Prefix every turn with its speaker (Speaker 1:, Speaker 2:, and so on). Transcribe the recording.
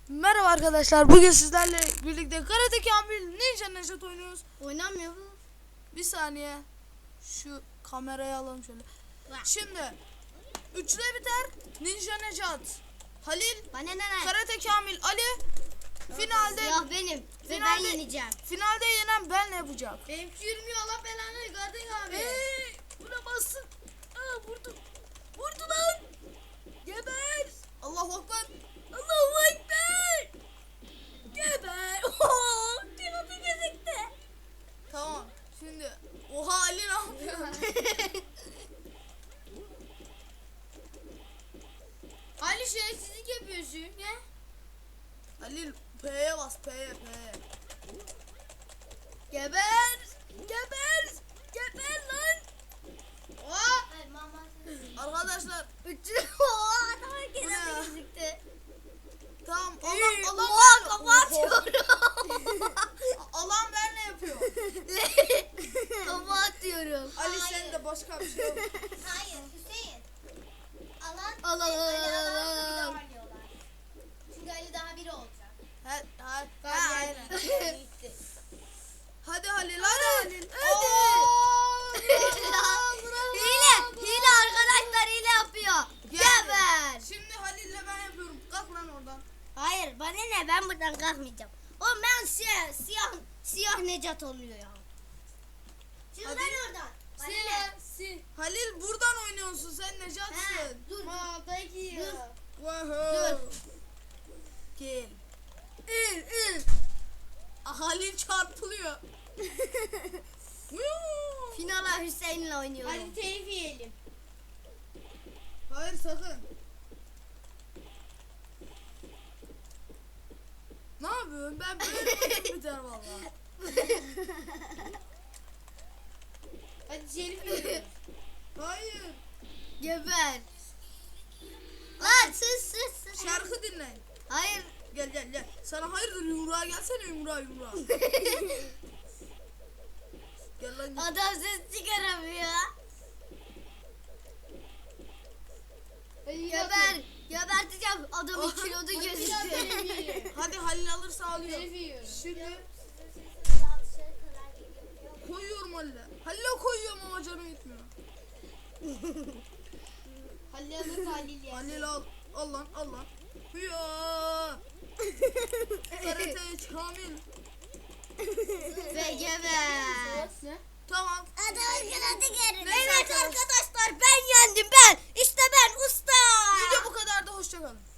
Speaker 1: Merhaba arkadaşlar, bugün sizlerle birlikte Karate Kamil Ninja Nejat oynuyoruz.
Speaker 2: Oynamıyor bu.
Speaker 1: Bir saniye, şu kamerayı alalım şöyle. Şimdi 3'le biter. Ninja Nejat, Halil, Karate Kamil, Ali. Finalde
Speaker 2: Ya benim ve ben yeneceğim.
Speaker 1: Finalde yenen ben yapacak.
Speaker 2: Benimki yürümüyor, Allah belanı gördün abi.
Speaker 1: Buna bassın. Vurdu. Vurdu lan. Geber. Allahu Ekber. Allahu Ekber. Geber. Tiradı gözükte. Tamam. Şimdi oha Ali ne yapıyor?
Speaker 2: Ali şerefsizlik yapıyorsun ya.
Speaker 1: Halil P'ye bas, P'ye. Geber. Geber. Geber lan.
Speaker 2: Oha.
Speaker 1: Arkadaşlar
Speaker 2: Oha adam
Speaker 1: Bu ne?
Speaker 2: gözüktü.
Speaker 1: tamam.
Speaker 2: Oha kafa atıyorum.
Speaker 1: Alan ben ne yapıyor?
Speaker 2: Kafa atıyorum.
Speaker 1: Ali sen de başka bir şey yok.
Speaker 3: Hayır Hüseyin. Alan
Speaker 2: Al, al, al,
Speaker 3: Ali
Speaker 2: al,
Speaker 3: alan
Speaker 2: al.
Speaker 3: bir daha diyorlar. Çünkü Ali daha biri olacak.
Speaker 1: Hadi Halil, hadi Halil.
Speaker 2: Hile arkadaşlar, hile yapıyor. Geber.
Speaker 1: Şimdi Halil'le ben yapıyorum. Kalk lan oradan.
Speaker 2: Hayır bana ne, ben buradan kalkmayacağım. Oğlum ben siyah Necat oluyor ya.
Speaker 3: Şimdi
Speaker 1: Hadi.
Speaker 3: ben oradan. Bana ne?
Speaker 1: Halil buradan oynuyorsun, sen Necat'sın.
Speaker 2: Dur.
Speaker 3: peki.
Speaker 1: Wow. Gel. Halil çarpılıyor.
Speaker 2: Finala Hüseyin'le oynuyorum.
Speaker 3: Hadi telif yiyelim.
Speaker 1: Hayır sakın. Ne yapıyorsun? Ben böyle oyun biter valla.
Speaker 3: Hadi telif yiyelim.
Speaker 1: Hayır.
Speaker 2: Geber. Lan sus.
Speaker 1: Şarkı dinle.
Speaker 2: Hayır.
Speaker 1: Gel. Sana hayırdır yumruğa gelsene yumruğa. Gel lan.
Speaker 2: Adam ses çıkaramıyor. Geber. Geberteceğim. Adamın kilodu gözüktü.
Speaker 1: Hadi Halil alırsa alıyor. Şimdi koyuyorum Halil'e. Halil'e koyuyorum ama canım gitmiyor.
Speaker 3: Halil alır Halil ya.
Speaker 1: Halil al. Al lan. Hıya. Karate Kamil.
Speaker 2: Ve geber.
Speaker 1: Tamam.
Speaker 2: Adamın kilodu görüntü.
Speaker 1: Neyse
Speaker 2: Evet arkadaşlar, ben yendim ben. İşte ben usta.
Speaker 1: Video bu kadar da hoşça kalın.